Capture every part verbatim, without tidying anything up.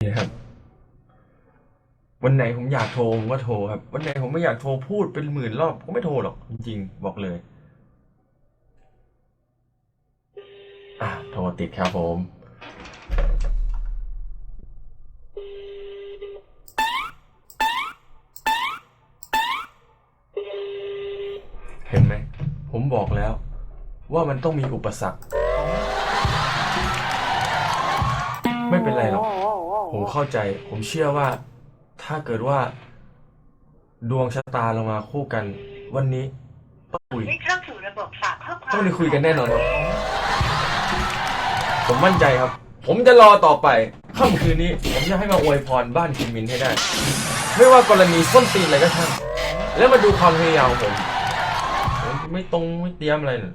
นะครับวันไหนผมอยากโทรผมก็โทรครับวันไหนผมไม่อยากโทรพูดเป็นหมื่นรอบก็ไม่โทรหรอกจริงๆบอกเลยอ่ะโทรติดครับผมเห็นไหมผมบอกแล้วว่ามันต้องมีอุปสรรคไม่เป็นไรหรอกผมเข้าใจผมเชื่อว่าถ้าเกิดว่าดวงชะตาเรามาคู่กันวันนี้ต้องคุยได้เข้าสู่ระบบฝากข้อความต้องได้คุยกันแน่นอนครับผมมั่นใจครับผมจะรอต่อไปค่ำคืนนี้ผมจะให้มาอวยพรบ้านคิมมินให้ได้ไม่ว่ากรณีส้นตีนอะไรก็ช่างแล้วมาดูความพยายามของผมผมไม่ตรงไม่เตรียมอะไรเลย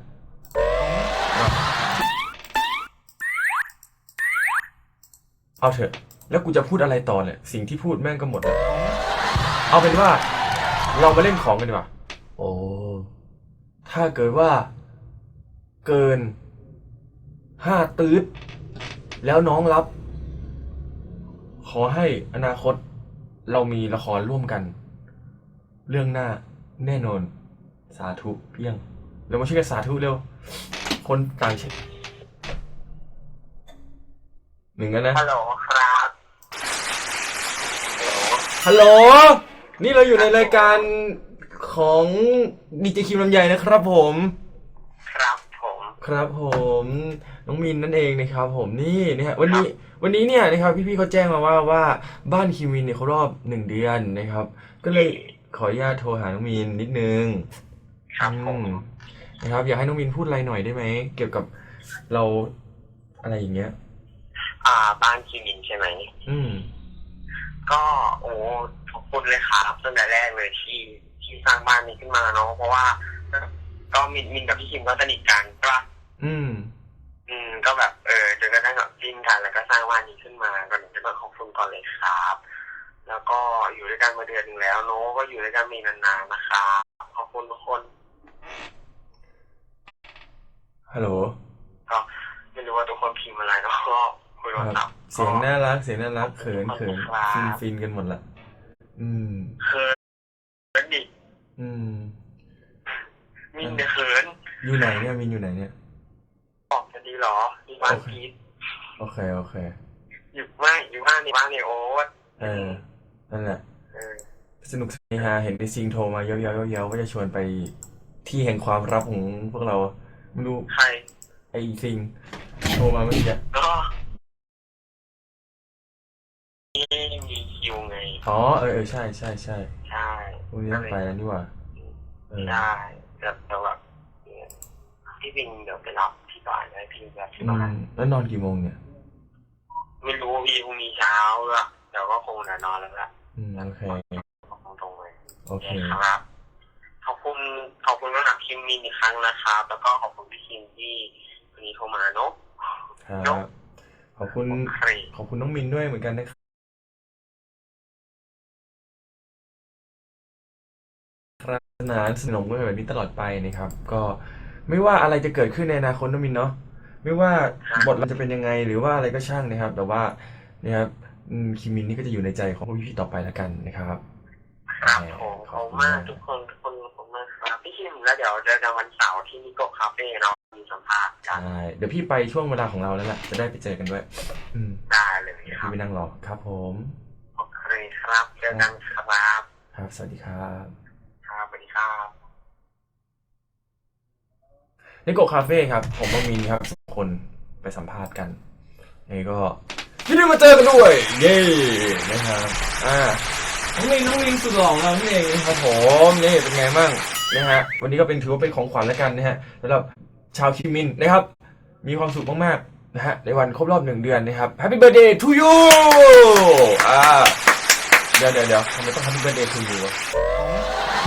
เอาเถอะแล้วกูจะพูดอะไรต่อเนี่ยสิ่งที่พูดแม่งก็หมดแล้วเอาเป็นว่าเรามาเล่นของกันดีกว่าโอ้ถ้าเกิดว่าเกินห้าตืดแล้วน้องรับขอให้อนาคตเรามีละครร่วมกันเรื่องหน้าแน่นอนสาธุเพียงเรามาช่วยกันสาธุเร็วคนต่างเช็คหนึ่งกันนะฮัลโหลครับฮัลโหลนี่เราอยู่ในรายการของดีเจคิมลำไยนะครับผมครับผมครับผมน้องมินนั่นเองนะครับผมนี่นะฮะวันนี้วันนี้เนี่ยนะครับพี่ๆเขาแจ้งมาว่าว่าบ้านคิมมินเนี่ยเขารอบหนึ่งเดือนนะครับก็เลยขออนุญาตโทรหาน้องมินนิดนึงครับผมนะครับอยากให้น้องมินพูดอะไรหน่อยได้ไหมเกี่ยวกับเราอะไรอย่างเงี้ยอ่าบ้านคิมินใช่ไหมอืมก็โอ้ขอบคุณเลยครับตั้งแต่แรกเลยที่ที่สร้างบ้านนี้ขึ้นมาเนาะเพราะว่าก็มินมินกับพี่คิมก็สนิทกันใช่ปะอืมอืมก็แบบเออจนกระทั่งแบบจิ้นกันแล้วก็สร้างบ้านนี้ขึ้นมาก่อนจะมาขอบคุณก่อนเลยครับแล้วก็อยู่ด้วยกันมาเดือนนึงแล้วเนาะก็อยู่ด้วยกันมีนานๆนะครับขอบคุณทุกคนฮัลโหลก็ไม่รู้ว่าทุกคนพิมพ์อะไรเนาะก็คุยโทรศัพท์เสียงน่ารักเสียงน่ารักเขินเขินฟินฟินกันหมดละอืมเขินดิอืมมินเนี่ยเขินอยู่ไหนเนี่ยมินอยู่ไหนเนี่ยออกจะดีหรอมีบ้านพีทโอเคโอเคอยู่บ้านอยู่บ้านในบ้านในโอ๊ตเออนั่นแหละสนุกสนุกฮาเห็นไอซิงโทรมาเย้าเย้าเย้าว่าจะชวนไปที่แห่งความลับของพวกเราไม่รู้ใครไอซิงโทรมาเมื่อกี้ก็นี่มีคิวไงอ๋อเออเออใช่ใช่ใช่ใช่พรุ่งนี้ต้องไปแล้วนี่หว่าใช่แต่แต่แบบพี่วิงเดี๋ยวไปรับที่บ้านได้พี่แบบที่บ้านแล้วนอนกี่โมงเนี่ยไม่รู้พี่พรุ่งนี้เช้าละเดี๋ยวก็คงจะนอนแล้วละอืมโอเคตรงๆเลยโอเคครับขอบคุณขอบคุณสำหรับคิมมินอีกครั้งนะครับแล้วก็ขอบคุณพี่คิมที่วันนี้โทรมาเนาะครับขอบคุณขอบคุณน้องมินด้วยเหมือนกันนะครับสนานสนมกันแบบนี้ตลอดไปนะครับก็ไม่ว่าอะไรจะเกิดขึ้นในอนาคตน้องมินเนาะไม่ว่าบทเราจะเป็นยังไงหรือว่าอะไรก็ช่างนะครับแต่ว่านะครับคิมมินนี่ก็จะอยู่ในใจของพวกพี่ๆต่อไปแล้วกันนะครับครับผมขอบคุณมากทุกคนทุกคนขอบคุณมากครับพี่คิมแล้วเดี๋ยวเจอกันวันเสาร์ที่นิโกะคาเฟ่เนาะมีสัมภาษณ์กันใช่เดี๋ยวพี่ไปช่วงเวลาของเราแล้วแหละจะได้ไปเจอกันด้วยอืมได้เลยครับพี่ไปนั่งรอครับผมโอเคครับเจอกันครับครับสวัสดีครับครับสวัสดีครับนิโกะคาเฟ่ครับผมต้องมินครับสองคนไปสัมภาษณ์กันนี่ก็ยินดีมาเจอกันด้วยเย้นะครับอ่าน้องลิงน้องลิงสุดหล่อเราเองครับผมนี่เป็นไงบ้างนะฮะวันนี้ก็เป็นถือว่าเป็นของขวัญแล้วกันนะฮะสำหรับชาวคิมมินนะครับมีความสุขมากๆนะฮะในวันครบรอบหนึ่งเดือนนะครับ Happy Birthday to you อ่าเดี๋ยวเดี๋ยวเดี๋ยวทำไมต้อง Happy Birthday to you วะ